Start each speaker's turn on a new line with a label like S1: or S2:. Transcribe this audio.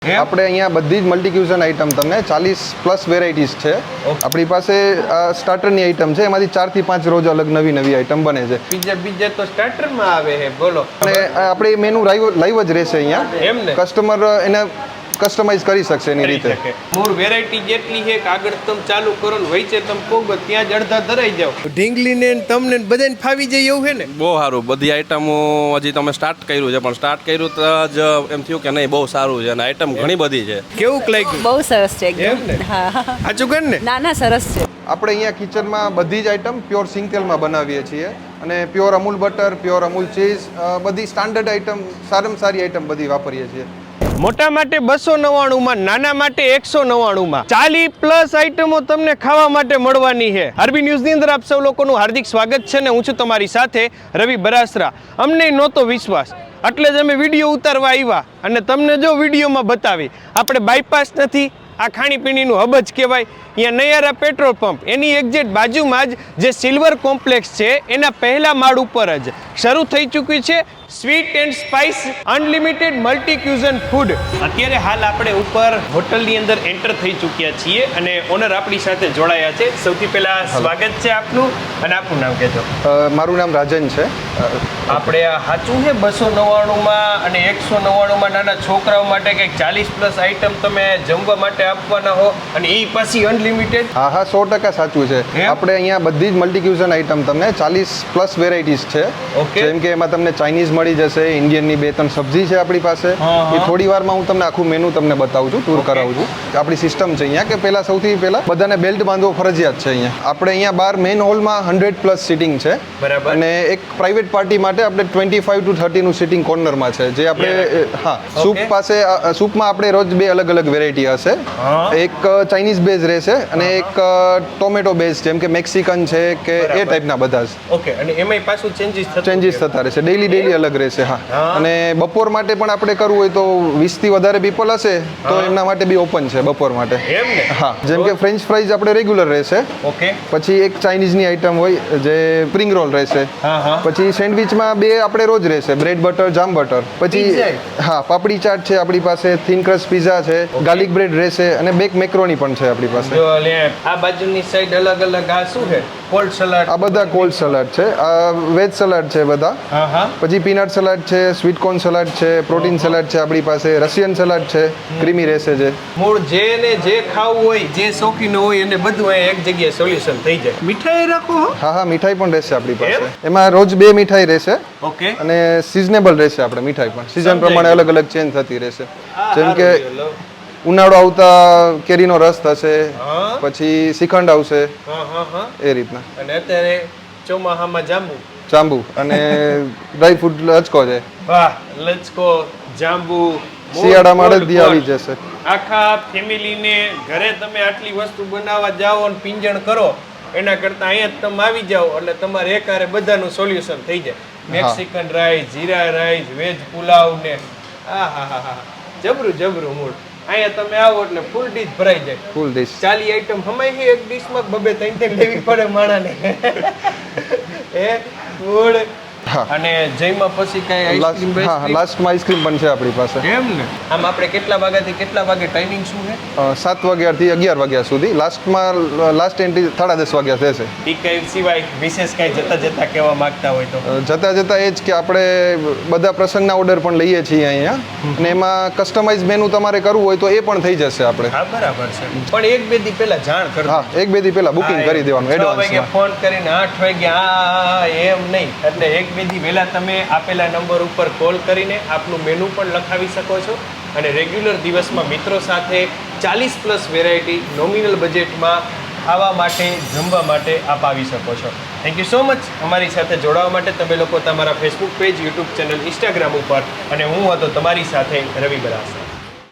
S1: આપણે અહીંયા બધી જ મલ્ટી ક્યુઝન આઈટમ તમને 40+ વેરાયટીઝ છે આપણી પાસે. સ્ટાર્ટરની આઈટમ છે, એમાંથી 4 થી 5 રોજ અલગ નવી આઈટમ બને છે.
S2: બીજા તો સ્ટાર્ટરમાં આવે છે, બોલો.
S1: અને આપણે મેનુ લાઈવ જ રહેશે અહીંયા.
S2: એમ ને
S1: કસ્ટમર એને કસ્ટમાઇઝ કરી શકશે એની રીતે.
S2: મૂળ વેરાયટી જેટલી છે કે આગળ તમે ચાલુ કરો ને વચ્ચે તમે પોગો ત્યાં જ અડધા ધરાઈ જાવ. ઢીંગલીને તમને બધાને ફાવી જાય એવું છે ને.
S3: બહુ સારું, બધી આઈટમો હજી તમે સ્ટાર્ટ કર્યું છે, પણ સ્ટાર્ટ કર્યું તો જ એમ થયું કે નહીં બહુ સારું છે અને આઈટમ ઘણી બધી છે.
S2: કેવું લાગ્યું?
S4: બહુ સરસ છે એકદમ.
S2: એમ ને?
S4: હા
S2: સાચું કર ને.
S4: ના સરસ છે.
S1: આપણે અહીંયા કિચનમાં બધી જ આઈટમ પ્યોર સિંગ તેલમાં બનાવીએ છીએ અને pure Amul butter, pure Amul cheese, બધી સ્ટાન્ડર્ડ આઈટમ, સારામાં સારી આઈટમ બધી વાપરીએ છીએ.
S2: મોટા માટે 299 નાના માટે 199 40+ આઈટમો તમને ખાવા માટે મળવાની છે. આરબી ન્યૂઝની અંદર આપ સૌ લોકોનું હાર્દિક સ્વાગત છે ને હું છું તમારી સાથે રવિ બરાસરા. અમને નહોતો વિશ્વાસ એટલે જ અમે વિડીયો ઉતારવા આવ્યા અને તમને જો વિડીયોમાં બતાવી. આપણે બાયપાસ નથી, આ ખાણીપીણીનું હબ જ કહેવાય. અહીંયા નયારા પેટ્રોલ પંપ એની એક્ઝેક્ટ બાજુમાં જ જે સિલ્વર કોમ્પ્લેક્સ છે એના પહેલા માળ ઉપર જ શરૂ થઈ ચૂક્યું છે sweet and spice unlimited multi cuisine food. અત્યારે હાલ આપણે ઉપર હોટલની અંદર એન્ટર થઈ ચૂક્યા છીએ અને ઓનર આપણી સાથે જોડાયા છે. સૌથી પહેલા સ્વાગત છે આપનું અને આપનું નામ કહેજો.
S1: મારું નામ રાજન છે.
S2: આપણે આ સાચું છે 299 અને 199 નાના છોકરાઓ માટે કંઈક 40+ આઈટમ તમે જમવા માટે આપવાના હો અને એ પાછી અનલિમિટેડ?
S1: હા 100% સાચું છે. આપણે અહીંયા બધી જ મલ્ટી ક્યુઝન આઈટમ તમને 40+ વેરાયટીઝ છે. જેમ કે એમાં તમને ચાઇનીઝ મળી જશે, ઇન્ડિયનની 2-3 સબ્જી છે આપણી પાસે. એ થોડી વારમાં હું તમને આખું મેનુ તમને બતાવું છું, ટૂર કરાવું છું. આપણી સિસ્ટમ છે અહીંયા કે સૌથી પહેલા બધાને બેલ્ટ બાંધવો ફરજિયાત છે અહીંયા. આપણે અહીંયા બહાર મેઇન હોલમાં 100+ સીટિંગ છે.
S2: બરાબર.
S1: અને એક પ્રાઇવેટ પાર્ટી માટે આપણે 25 to 30 નું સીટિંગ કોર્નરમાં છે. જે આપણે સૂપ પાસે સૂપમાં આપણે રોજ 2 અલગ વેરાયટી હશે. એક ચાઇનીઝ બેઝ રહેશે અને એક ટોમેટો બેઝ, જેમ કે મેક્સિકન છે કે એ ટાઈપના બધા જ.
S2: ઓકે. અને એમાંય પાછું
S1: ચેન્જીસ થતા રહેશે, ડેલી અલગ રહેશે. હા. અને બપોર માટે પણ આપણે કરવું હોય તો 20 થી વધારે પીપલ હશે તો એમના માટે બી ઓપન છે બપોર માટે.
S2: એમ ને?
S1: હા. જેમ કે ફ્રેન્ચ ફ્રાઈઝ આપણે રેગ્યુલર રહેશે.
S2: ઓકે.
S1: પછી એક ચાઇનીઝની આઈટમ હોય જે સ્પ્રિંગ રોલ રહેશે. પછી સેન્ડવિચમાં 2 આપણે રોજ રહેશે, બ્રેડ બટર, જામ બટર. પછી પાપડી ચાટ છે આપણી પાસે, થીન ક્રસ્ટ પિઝા છે, ગાર્લિક બ્રેડ રહેશે અને બેક મેક્રોની પણ છે આપણી પાસે.
S2: જો લે આ બાજુની સાઈડ અલગ આ શું છે? Cold salad.
S1: આ બધા કોલ્ડ સલાડ છે. આ વેજ સલાડ છે બધા. પછી પીનટ સલાડ છે, સ્વીટ કોર્ન સલાડ છે, પ્રોટીન સલાડ છે આપણી પાસે, રશિયન સલાડ છે, ક્રીમી રહેશે. જે
S2: મૂળ જે ખાવું હોય, જે શોખીન હોય એને બધું એક જગ્યાએ સોલ્યુશન થઈ જાય. મીઠાઈ રાખો?
S1: હા મીઠાઈ પણ રહેશે આપણી પાસે. એમાં રોજ 2 મીઠાઈ રહેશે.
S2: ઓકે.
S1: અને સિઝનેબલ રહેશે. આપણે મીઠાઈ પણ સીઝન પ્રમાણે અલગ ચેન્જ થતી રહેશે. જેમ કે ઉનાળો આવતા કેરીનો રસ થશે, પછી શ્રીખંડ આવશે, એ રીતના.
S2: અને અત્યારે ચોમાહામાં જાંબુ
S1: અને ડ્રાય ફ્રૂટ લચકો છે.
S2: વાહ, લચકો, જાંબુ.
S1: શિયાળામાં અડદી આવી જશે.
S2: આખા ફેમિલીને ઘરે તમે આટલી વસ્તુ બનાવવા જાઓ અને પિંજણ કરો એના કરતા અહીંયા તમે આવી જાઓ એટલે તમારે એકારે બધાનું સોલ્યુશન થઈ જાય. Mexican rice, jeera rice, veg pulao ને જબરું મૂળ. અહીંયા તમે આવો એટલે ફૂલ ડીશ ભરાઈ જાય. ફૂલ ડીશ 40 આઈટમ હમાય છે એક ડીશમાં. 2-3 લેવી પડે માણાને. એ ફૂડ. અને જઈમાં પછી કઈ આઈસ્ક્રીમ?
S1: લાસ્ટમાં આઈસ્ક્રીમ પણ છે આપણી પાસે.
S2: એમ ને? આમ આપણે કેટલા વાગ્યાથી કેટલા વાગે ટાઈમિંગ શું છે?
S1: 7 વાગ્યાથી 11 વાગ્યા સુધી. લાસ્ટ એન્ટ્રી 10:30 વાગ્યા થશે.
S2: ઈ કઈ સિવાય વિશેષ કઈ જતા કહેવા માંગતા હોય તો?
S1: જતા એ જ કે આપણે બધા પ્રસંગના ઓર્ડર પણ લઈએ છીએ અહીંયા. અને એમાં કસ્ટમાઇઝ મેનુ તમારે કરવું હોય તો એ પણ થઈ જશે આપણે.
S2: હા બરાબર છે. પણ 1-2 દી પહેલા જાણ કરજો.
S1: 1-2 દી પહેલા બુકિંગ કરી દેવાનું એડવાન્સમાં.
S2: ફોન કરીને 8 વાગ્યા એમ નહીં. એટલે 1-2 દી પહેલા તમે આપેલા નંબર ઉપર કોલ કરીને આપનું મેનુ પણ લખાવી શકો છો અને રેગ્યુલર દિવસમાં મિત્રો સાથે 40+ વેરાયટી નોમિનલ બજેટમાં ખાવા માટે, જમવા માટે આપ આવી શકો છો. થેન્ક યુ સો મચ અમારી સાથે જોડાવા માટે. તમે લોકો તમારા Facebook page, YouTube channel, Instagram ઉપર. અને હું હતો તમારી સાથે રવિ બરાસરા.